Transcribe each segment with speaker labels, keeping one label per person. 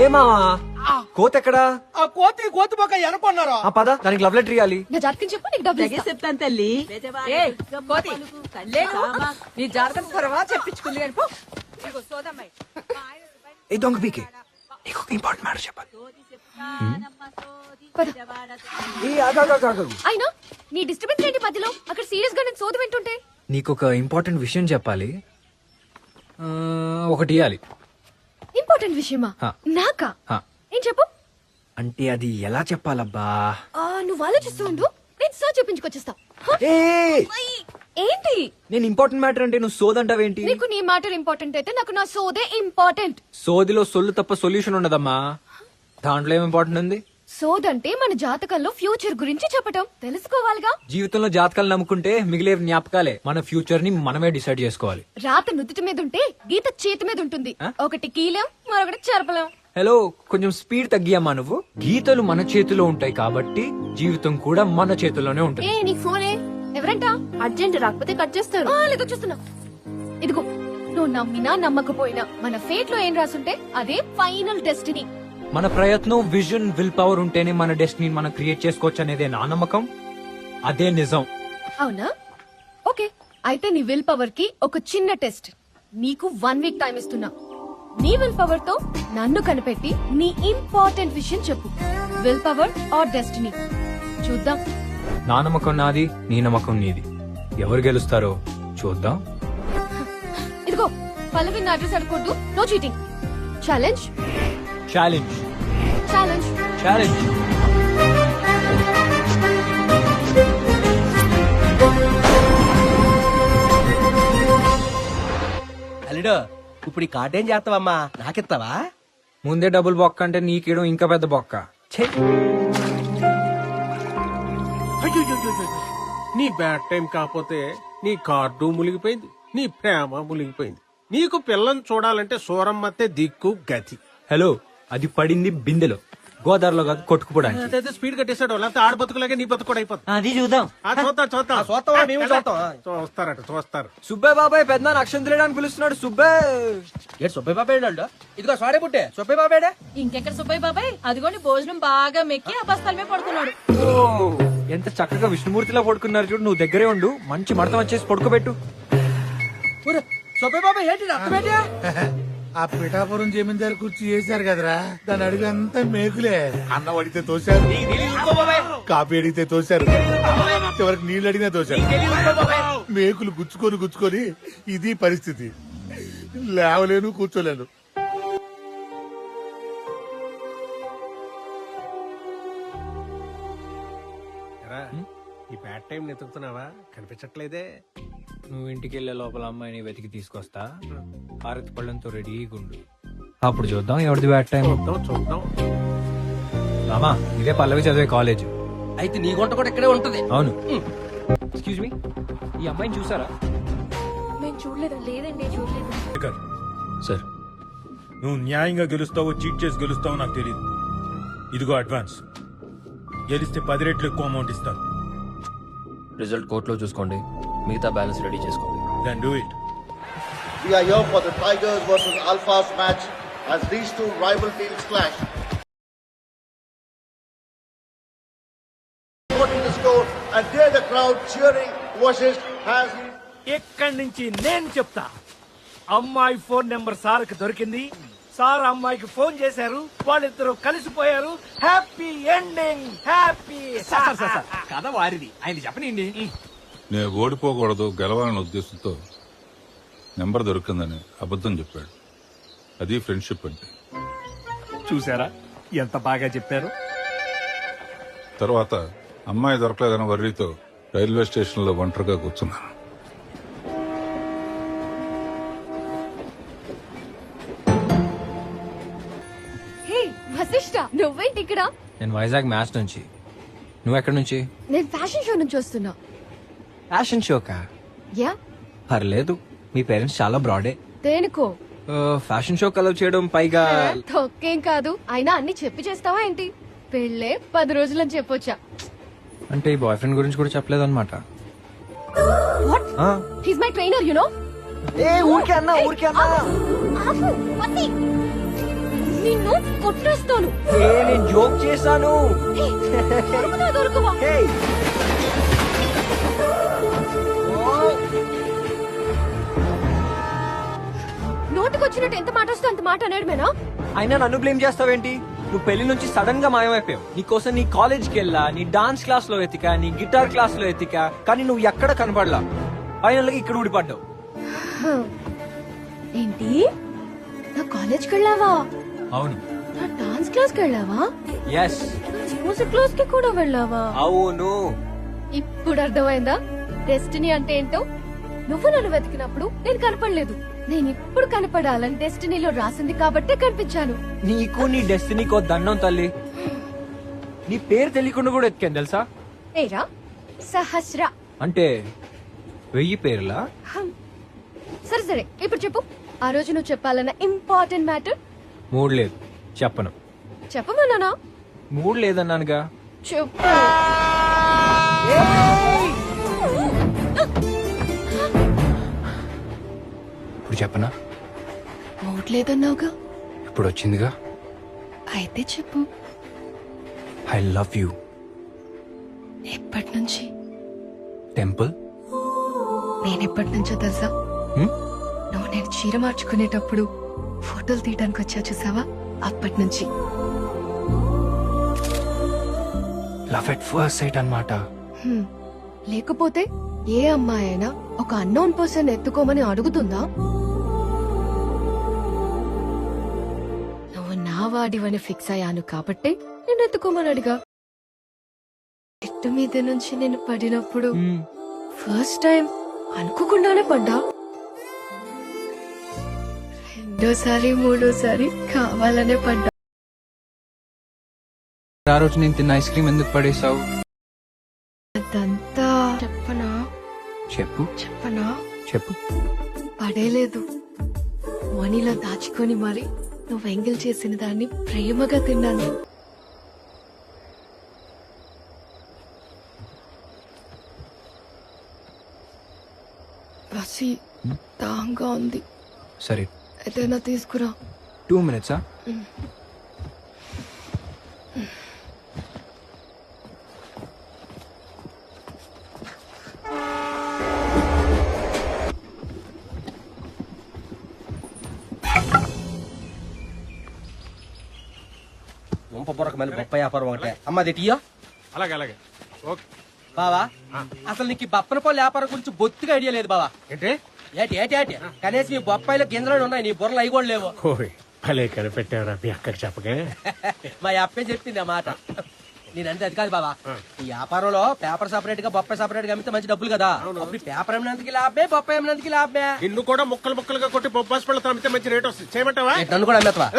Speaker 1: మావా కోత ఎక్కడా?
Speaker 2: ఆ కోతి బొక్క ఎనుకున్నారా?
Speaker 1: ఆ పద, దానికి లవ్ లెటర్ ఇవ్వాలి.
Speaker 3: నా జాతకం చెప్పు, నీకు డబ్బులు ఇస్తా.
Speaker 4: చెప్తాను తల్లి. ఏయ్, కోతి, లేకు. నీ జాతకం త్వరగా చెప్పించుకుంది కానీ పో. ఇదిగో సోదమ్మాయి.
Speaker 1: ఏ దొంగ పీకే, నీకు ఒక ఇంపార్టెంట్ మ్యాటర్ చెప్పాలి. ఏ ఆగు, ఆగు, ఆగు, ఆగు.
Speaker 3: అయినా నీ డిస్టర్బెన్స్ ఏంటి మధ్యలో? అక్కడ సీరియస్ గా నేను సోది వింటుంటే.
Speaker 1: నీకు ఒక ఇంపార్టెంట్ విషయం చెప్పాలి. ఒకటి ఇవ్వాలి.
Speaker 3: ఇంపార్టెంట్ విషయమా?
Speaker 1: హా.
Speaker 3: నాకా?
Speaker 1: హా.
Speaker 3: ఏం చెప్పు.
Speaker 1: అంటే అది ఎలా చెప్పాలబ్బా?
Speaker 3: నువ్వు ఆలోచిస్తూ ఉండు, నేను సో చెప్పించుకొచ్చేస్తా. హ?
Speaker 1: ఏ
Speaker 3: ఏంటి?
Speaker 1: నేను ఇంపార్టెంట్ మ్యాటర్ అంటే నువ్వు సోదంటావేంటి?
Speaker 3: నీకు నీ మ్యాటర్ ఇంపార్టెంట్ అయితే నాకు నా సోదే ఇంపార్టెంట్.
Speaker 1: సోదిలో సొల్లు తప్ప సొల్యూషన్ ఉండదమ్మా. దాంట్లో ఏం ఇంపార్టెంట్ ఉంది?
Speaker 3: సోదంటే మన జాతకంలో ఫ్యూచర్ గురించి చెప్పటం తెలుసుకోవాలిగా.
Speaker 1: జీవితంలో జాతకాలు నమ్ముకుంటే మిగిలే జ్ఞాపకాలే. మన ఫ్యూచర్ ని మనమే డిసైడ్ చేసుకోవాలి.
Speaker 3: రాత నుదుటి మీద ఉంటే గీత చేతి మీద ఉంటుంది. ఒకటి కీలం, మరొకటి చెరపలేం.
Speaker 1: హలో, కొంచెం స్పీడ్ తగ్గియమ్మా. నువ్వు గీతలు మన చేతిలో ఉంటాయి కాబట్టి జీవితం కూడా మన చేతిలోనే ఉంటుంది.
Speaker 3: నీ ఫోనే ఎవరంట? అర్జెంట్ రాకపోతే కట్ చేస్తారు. లేదో చూస్తున్నా. ఇదిగో, నువ్వు నమ్మినా నమ్మకపోయినా మన ఫేట్ లో ఏం రాసుంటే అదే ఫైనల్ డెస్టినీ.
Speaker 1: మన ప్రయత్నం, విజన్, విల్ పవర్ ఉంటేనే మన డెస్టినీ మనం క్రియేట్ చేసుకోవచ్చు అనేదే నా నమ్మకం. అదే నిజం.
Speaker 3: అవునా? ఓకే, అయితే నీ విల్ పవర్ కి ఒక చిన్న టెస్ట్. నీకు 1 వీక్ టైం ఇస్తున్నా. నీ విల్ పవర్ తో నన్ను కనిపెట్టి నీ ఇంపార్టెంట్ విషయం చెప్పు. విల్ పవర్ ఆర్ డెస్టినీ చూద్దాం.
Speaker 1: నా నమ్మకం నాది, నీ నమ్మకం నీది. ఎవరు గెలుస్తారో చూద్దాం.
Speaker 3: ఇదిగో, పల్లవి నా అడ్రస్ అడగొద్దు. No cheating. Challenge
Speaker 1: challenge
Speaker 3: challenge
Speaker 1: challenge.
Speaker 2: అల్లుడు, ఇప్పుడు ఈ కార్డు ఏం చేస్తావమ్మా? నాకిస్తావా?
Speaker 1: ముందే డబుల్ బొక్క అంటే నీకేయడం ఇంకా పెద్ద బొక్క. ఛే!
Speaker 5: అయ్యో, నీ బ్యాడ్ టైం కాకపోతే నీ కార్డు మునిగిపోయింది, నీ ప్రేమ మునిగిపోయింది. నీకు పిల్లని చూడాలంటే సూరమ్మతే దిక్కు గతి.
Speaker 1: హలో, అది పడింది బిందెలో, గోదావరిలో కాదు కొట్టుకుపోవడానికి.
Speaker 5: అదైతే స్పీడ్ కట్టేశాడు, లేకపోతే ఆడ బతుకులాగే నీ బతుకు కూడా అయిపోతుంది.
Speaker 1: అది చూద్దాం.
Speaker 2: చూస్తావా? మేము చూస్తాం.
Speaker 5: చూస్తారు.
Speaker 1: సుబ్బే బాబాయ్ పెద్ద అక్షం తెలియడానికి పిలుస్తున్నాడు. సుబ్బే
Speaker 2: ఏడు సుబ్బయ్య బాబాయ్ అండి. ఇదిగో సారీ పుట్టే సుబ్బయ్య బాబాయ్.
Speaker 4: ఇంకెక్కడ సుబ్బయ్య బాబాయ్? అదిగోని భోజనం బాగా మెక్కి ఆ బస్తాలమే పడుకున్నాడు.
Speaker 1: ఎంత చక్కగా విష్ణుమూర్తిలా పడుకున్నారు చూడు. నువ్వు దగ్గరే ఉండు, మంచి మడతం వచ్చేసి పడుకోబెట్టు.
Speaker 2: సుబ్బయ్య బాబాయ్ ఏంటి అర్థమేంటి?
Speaker 6: ఆ పిఠాపురం జమీందారు కుర్చీ చేశారు కదరా, దాని అడిగంతా మేకులే. అన్నం అడిగితే తోశారు, కాపీ అడిగితే తోశారు, చివరికి నీళ్ళు అడిగినా తోశారు. మేకులు గుచ్చుకొని ఇది పరిస్థితి. లేవలేను, కూర్చోలేను.
Speaker 5: ఈ బ్యాడ్ టైం నెతుకుతున్నావా? కనిపించట్లేదే.
Speaker 1: నువ్వు ఇంటికి వెళ్లే లోపల అమ్మాయిని వెతికి తీసుకొస్తా. హారతి పళ్ళంతో రెడీగా ఉండు. అప్పుడు చూద్దాం ఎవరిది బ్యాడ్ టైం.
Speaker 5: చూద్దాం.
Speaker 1: రామా, ఇదే పల్లవి చదివే కాలేజ్.
Speaker 2: అయితే నీ గుంట కూడా ఇక్కడే ఉంటది.
Speaker 1: అవును. ఎక్స్క్యూజ్ మీ, ఈ అమ్మాయిని చూసారా?
Speaker 3: మేము చూడలేదు. లేదండి, చూడలేదు.
Speaker 7: సార్, నువ్వు న్యాయంగా గెలుస్తావో చీట్ చేసి గెలుస్తావో నాకు తెలియదు. ఇదిగో అడ్వాన్స్. గెలిస్తే 10 రెట్లు ఎక్కువ అమౌంట్ ఇస్తాను.
Speaker 8: రిజల్ట్ కోర్టులో చూసుకోండి, మిగతా బ్యాలెన్స్ రెడీ చేసుకోండి.
Speaker 7: Then do it.
Speaker 9: We are here for the Tigers versus Alphas match as these two rival teams clash. Supporting the score and there the crowd cheering Vashisht has.
Speaker 5: ఇక్కడి నుంచి నేను చెప్తా. అమ్మాయి phone number సార్కి దొరికింది. Sir అమ్మాయికి phone చేశారు, వాళ్ళిద్దరూ కలిసిపోయారు. Happy ending, happy.
Speaker 2: కథ వారిది, ఆయన చెప్పనండి.
Speaker 10: నేను ఓడిపోకూడదు, గెలవాలనే ఉద్దేశంతో నెంబర్ దొరికిందని అబద్ధం చెప్పాడు. అది ఫ్రెండ్షిప్ అంటే.
Speaker 5: చూసారా ఎంత బాగా చెప్పారు.
Speaker 10: తర్వాత అమ్మాయి దొరకలేదన్న వర్రీతో రైల్వే స్టేషన్ లో ఒంటరిగా కూర్చున్నాను.
Speaker 3: హే వశిష్ఠ, నువ్వేంటి ఇక్కడ?
Speaker 1: నేను వైజాగ్ మ్యాచ్ నుంచి. నువ్వు ఎక్కడి నుంచి?
Speaker 3: నేను ఫ్యాషన్ షో నుంచి వస్తున్నా.
Speaker 1: ఫ్యాషన్ షోకా?
Speaker 3: యా.
Speaker 1: పర్లేదు, మీ పేరెంట్స్ చాలా బ్రాడే.
Speaker 3: దేనికో?
Speaker 1: ఫ్యాషన్ షో కలర్ చేయడం, పైగా
Speaker 3: తొక్కేం కాదు. అయినా అన్ని చెప్పి చేస్తావా ఏంటి? పెళ్ళే 10 రోజులని చెప్పొచ్చా?
Speaker 1: అంటే ఈ బాయ్ ఫ్రెండ్ గురించి కూడా చెప్పలేదు అనమాట.
Speaker 3: What? He's my trainer, you know.
Speaker 1: ఊరికే అన్నా.
Speaker 3: నిన్ను కొట్టేస్తాను.
Speaker 1: నేను జోక్ చేశాను.
Speaker 3: ఏయ్, దొరుకునా దొరకవా? నోటికొచ్చినట్టు ఎంత మాట వస్తే అంత మాట అనేడమేనా?
Speaker 1: అయినా నన్ను బ్లేమ్ చేస్తావేంటి? నువ్వు పెళ్లి నుంచి సడన్ గా మాయమైపోయావు. నీకోసం నీ కాలేజ్కి వెళ్ళా, నీ డాన్స్ క్లాస్ లో ఎతికా, నీ గిటార్ క్లాస్ లో ఎతికా, కానీ నువ్వు ఎక్కడ కనపడలా. ఫైనల్ గా ఇక్కడ ఊడిపడ్డావు.
Speaker 3: ఏంటి, నా కాలేజ్కి వెళ్ళావా?
Speaker 1: అవును.
Speaker 3: నా డాన్స్ క్లాస్కి వెళ్ళావా?
Speaker 1: ఎస్.
Speaker 3: మ్యూజిక్ క్లాస్ కి కూడా వెళ్ళావా?
Speaker 1: అవును.
Speaker 3: ఇప్పుడు అర్థమైందా డెస్టినీ అంటే ఏంటో? నువ్వు నన్ను వెతికినప్పుడు నేను కనపడలేదు. నేను ఇప్పుడు కనపడాలని డెస్టినీలో రాసింది కాబట్టే కనిపించాను.
Speaker 1: నీకు నీ డెస్టినీకో దండం తల్లి. నీ పేరు తెలియకుండా కూడా ఎత్తికాను తెలుసా?
Speaker 3: ఏరా సహస్ర
Speaker 1: అంటే 1000 పేర్లా?
Speaker 3: సరే సరే, ఇప్పుడు చెప్పు. ఆ రోజు నువ్వు చెప్పాలన్న ఇంపార్టెంట్ మ్యాటర్.
Speaker 1: మూడు లేదు, చెప్పను.
Speaker 3: చెప్పమన్నానా?
Speaker 1: మూడు లేదన్నానుగా.
Speaker 3: చెప్పు.
Speaker 8: ఇప్పుడు చెప్పనా?
Speaker 3: మూడ్ లేదన్నావుగా.
Speaker 8: ఇప్పుడు వచ్చిందిగా.
Speaker 3: అయితే చెప్పు.
Speaker 8: I love you.
Speaker 3: ఎప్పటి నుంచి?
Speaker 8: టెంపుల్.
Speaker 3: నేనెప్పటి నుంచో తెలుసా? నువ్వు నేను చీర మార్చుకునేటప్పుడు ఫోటోలు తీయడానికి వచ్చా చూసావా, అప్పటి నుంచి.
Speaker 8: లవ్ ఎట్ ఫస్ట్ సైట్ అన్నమాట.
Speaker 3: లేకపోతే ఏ అమ్మాయి అయినా ఒక అన్నోన్ పర్సన్ ఎత్తుకోమని అడుగుతుందా? నువ్వు నా వాడివని ఫిక్స్ అయ్యాను కాబట్టి నేను ఎత్తుకోమని అడిగా. చెట్టు మీద నుంచి నేను పడినప్పుడు ఫస్ట్ టైం అనుకోకుండానే పడ్డా. రెండోసారి మూడోసారి కావాలనే పడ్డా.
Speaker 8: ఆ రోజు నేను తిన్న ఐస్ క్రీమ్ ఎందుకు పడేసావు?
Speaker 3: అదంతా చెప్పనా?
Speaker 8: చెప్పు.
Speaker 3: చెప్పనా?
Speaker 8: చెప్పు.
Speaker 3: పడేలేదు, మనీలో దాచుకొని మరి నువ్వు ఎంగిల్ చేసిన దాన్ని ప్రేమగా తిన్నాను. బసి దాంగా ఉంది.
Speaker 8: సరే,
Speaker 3: ఏదైనా తీసుకురా.
Speaker 8: 2 minutes.
Speaker 2: పొరక మళ్ళీ బొప్ప వ్యాపారం ఒకటే. అమ్మది టీయో.
Speaker 5: అలాగే అలాగే. ఓకే
Speaker 2: బావా, అసలు నీకు ఈ బప్పన పళ్ళు వ్యాపారం గురించి బొత్తిగా ఐడియా లేదు బావా.
Speaker 5: ఏంటి?
Speaker 2: ఏటి ఏటి ఏటి కనీసం ఈ బొప్పాయిలో గింజలు ఉన్నాయి, నీ బుర్రలు అవి కూడా లేవు.
Speaker 5: ఓయ్ భలే కనిపెట్టావురా మీ అక్కకి చెప్పకే.
Speaker 2: మా అప్పే చెప్పింది ఆ మాట. నేనంటే అది కాదు బావా, ఈ వ్యాపారంలో పేపర్ సపరేట్ గా బొప్పాయి సపరేట్ గా అమ్మితే మంచి డబ్బులు కదా. అప్పుడు పేపర్ అమ్మినందుకు లాభమే, బొప్పాయి అమ్మినందుకు లాభమే.
Speaker 5: నిన్ను కూడా ముక్కలు ముక్కలుగా కొట్టి బొప్పాస్ పళ్ళతో అమ్మితే మంచి రేట్ వస్తుంది. చేయమంటావా?
Speaker 2: నన్ను కూడా అమ్మేస్తావా?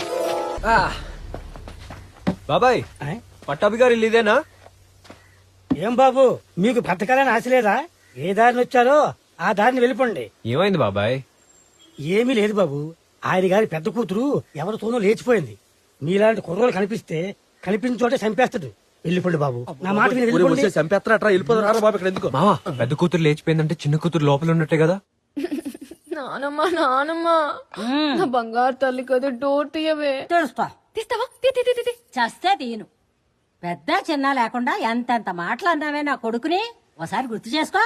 Speaker 1: బాబాయ్, పట్టాభి గారు ఇల్లు ఇదేనా?
Speaker 5: ఏం బాబు, మీకు బ్రతకాలని ఆశ లేదా? ఏ దారిని వచ్చారో ఆ దారిని వెళ్ళిపోండి.
Speaker 1: ఏమైంది బాబాయ్?
Speaker 5: ఏమీ లేదు బాబు, ఆయన గారి పెద్ద కూతురు ఎవరితోనో లేచిపోయింది. మీలాంటి కుర్రోలు కనిపిస్తే కనిపించిన చోటే చంపేస్తాడు. వెళ్ళిపోండి బాబు, నా మాట విని వెళ్ళిపోండి.
Speaker 2: చంపేస్తారా? వెళ్ళిపోతారా బాబు? ఇక్కడ ఎందుకు?
Speaker 1: మావా, పెద్ద కూతురు లేచిపోయిందంటే చిన్న కూతురు లోపల ఉన్నట్టే కదా.
Speaker 3: నానమ్మా నానమ్మా, నా బంగారు తల్లి కదా, డోర్ తీయవే.
Speaker 4: తెలుస్తా.
Speaker 3: తీస్తావా? తీ తీ తీ తీ.
Speaker 4: చస్తే తీయను. పెద్ద చిన్న లేకుండా ఎంతెంత మాటలు అన్నావే నా కొడుకుని, ఒకసారి గుర్తు చేసుకో.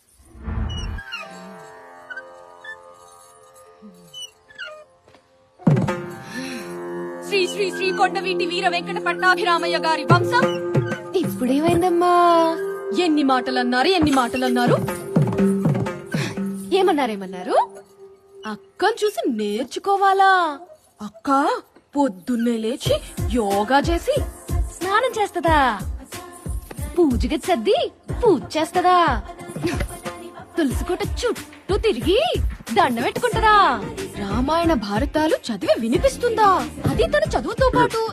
Speaker 3: శ్రీ శ్రీ శ్రీ కొండవీటి వీర వెంకట పట్టాభిరామయ్య గారి వంశం. ఇప్పుడేమైందమ్మా? ఎన్ని మాటలన్నారు, ఎన్ని మాటలన్నారు? ఏమన్నారేమన్నారు? అక్కను చూసి నేర్చుకోవాలా? అక్క పొద్దున్నే లేచి యోగా చేసి స్నానం చేస్తదా, పూజకి సర్ది పూజ చేస్తదా, తులసి కోట చుట్టూ తిరిగి దండం పెట్టుకుంటదా, రామాయణ భారతాలు చదివి వినిపిస్తుందా, అది తన చదువుతో పాటు.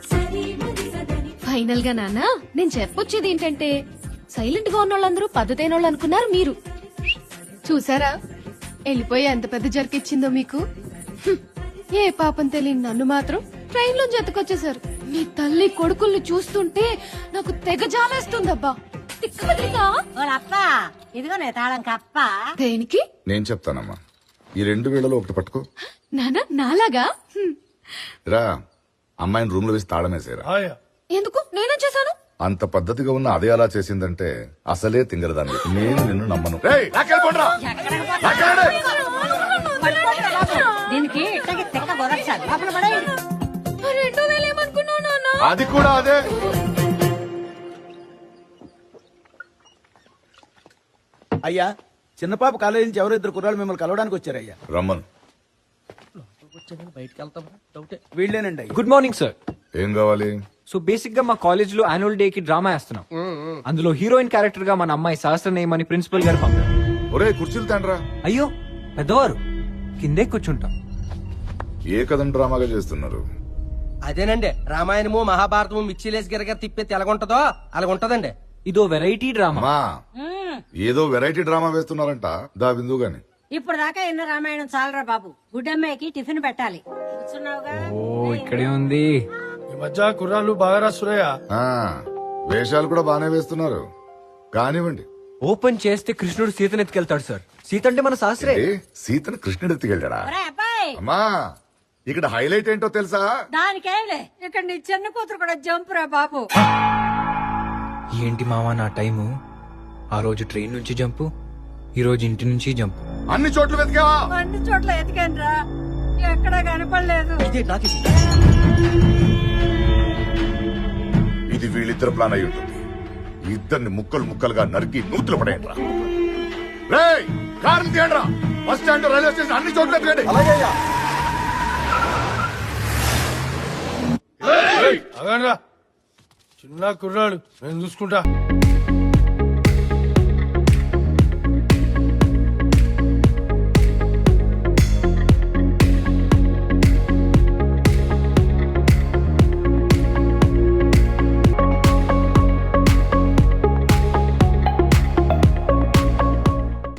Speaker 3: ఫైనల్ గా నాన్న, నేను చెప్పొచ్చేది ఏంటంటే, సైలెంట్ గా ఉన్న వాళ్ళందరూ పద్ధతైన వాళ్ళు అనుకున్నారు మీరు. చూసారా వెళ్ళిపోయి ఎంత పెద్ద జరికిచ్చిందో మీకు. ఏ పాపం తెలియని నన్ను మాత్రం ట్రైన్ లో జతకొచ్చేసారు. మీ తల్లి కొడుకుల్ని చూస్తుంటే నాకు తెగ జాలేస్తుందబ్బా.
Speaker 4: ఓలప్పా, ఇదిగో నే తాళం కప్ప.
Speaker 3: దేనికి?
Speaker 11: నేను చెప్తానమ్మా, ఈ 2 వేళలో ఒకటి పట్టుకో.
Speaker 3: నానా నాలాగా?
Speaker 11: రా అమ్మాయిని రూమ్ లో వేసి తాళమేసేరా
Speaker 6: ఆయా.
Speaker 3: ఎందుకు నేనేం చేశాను?
Speaker 11: అంత పద్ధతిగా ఉన్న అదే అలా చేసిందంటే అసలే తింగరదాన్ని నేను నిన్ను నమ్మను రేయ్, లాక్కెళ్ళిపోండ్రా. లాక్కెళ్ళండి.
Speaker 4: దీనికి ఇట్టకి తిక్క గొరచాలి లోపల పడేయండి.
Speaker 3: 2000 ఏమనుకున్నావు నాన్న?
Speaker 11: అది కూడా అదే.
Speaker 5: అయ్యా చిన్న పాప కాలేజీ నుంచి ఎవరో ఇద్దరు కుర్రాళ్ళు మిమ్మల్ని కలవడానికి వచ్చారయ్యా.
Speaker 11: రమ్మను.
Speaker 2: బయటకు వెళ్తాం డౌటే.
Speaker 5: వీళ్ళేనండి అయ్యా.
Speaker 1: Good morning sir.
Speaker 11: ఏం కావాలి?
Speaker 1: సో బేసిక్ గా మా కాలేజ్ లో యాన్యువల్ డే కి డ్రామా వేస్తున్నాం. అందులో హీరోయిన్ క్యారెక్టర్ గా మన అమ్మాయి సహస్రనేయం అని ప్రిన్సిపల్ గారు పంపారు.
Speaker 11: ఒరే కుర్చీలు తండ్రా.
Speaker 1: అయ్యో పెద్దవారు, కిందే కూర్చుంటాం.
Speaker 11: ఏ కథను డ్రామాగా చేస్తున్నారు?
Speaker 2: అదేనండి రామాయణము మహాభారతము మిర్చిలేసి గిరగర తిప్పేది ఎలాగుంటదో అలాగుంటదండి.
Speaker 1: ఇదో వెరైటీ డ్రామా.
Speaker 11: అమ్మా ఏదో వెరైటీ డ్రామా వేస్తున్నారంట. దా బిందు గాని.
Speaker 4: ఇప్పుడు దాకా ఎన్న రామాయణం చాలరా బాబు. గుడ్డమ్మాయికి టిఫిన్ పెట్టాలి. కూర్చున్నావుగా.
Speaker 1: ఓ ఇక్కడే ఉంది.
Speaker 6: ఈ మధ్య కుర్రాళ్ళు బాగా రాస్తున్నాయా?
Speaker 11: ఆ, వేషాలు కూడా బానే వేస్తున్నారు. కానివ్వండి.
Speaker 1: ఓపెన్ చేస్తే కృష్ణుడు సీతను ఎత్తుకెళ్తాడు సార్. సీత అంటే మన శాస్త్రే.
Speaker 11: ఏ, సీతను కృష్ణుడు ఎత్తుకెళ్ళాడా?
Speaker 4: ఒరేయ్ అబ్బాయి,
Speaker 11: అమ్మా ఇక్కడ హైలైట్ ఏంటో తెలుసా?
Speaker 4: దానికేంలే ఇక్కడ నీ చిన్న కూతురు కూడా జంప్ రా బాబు.
Speaker 1: ఏంటి మావా నా టైము? ఆ రోజు ట్రైన్ నుంచి జంపు, ఈ రోజు ఇంటి నుంచి జంపు.
Speaker 11: అన్ని చోట్ల వెతికావా?
Speaker 4: అన్ని చోట్ల ఎతికాను రా, ఎక్కడా కనపడలేదు.
Speaker 2: ఇదే నాకు
Speaker 11: ఇది వీళ్ళిద్దరు ప్లాన్ అయి ఉంటుంది. ఇద్దరిని ముక్కలు ముక్కలుగా నరికి నూతులు పడేయండి రా. రేయ్, కారుని తీయండి రా. బస్ స్టాండ్, రైల్వే స్టేషన్ అన్ని చోట్ల ఎత్తుకండి.
Speaker 6: అగండ్రా. చిన్న కుర్రాడు నేను చూసుకుంటా.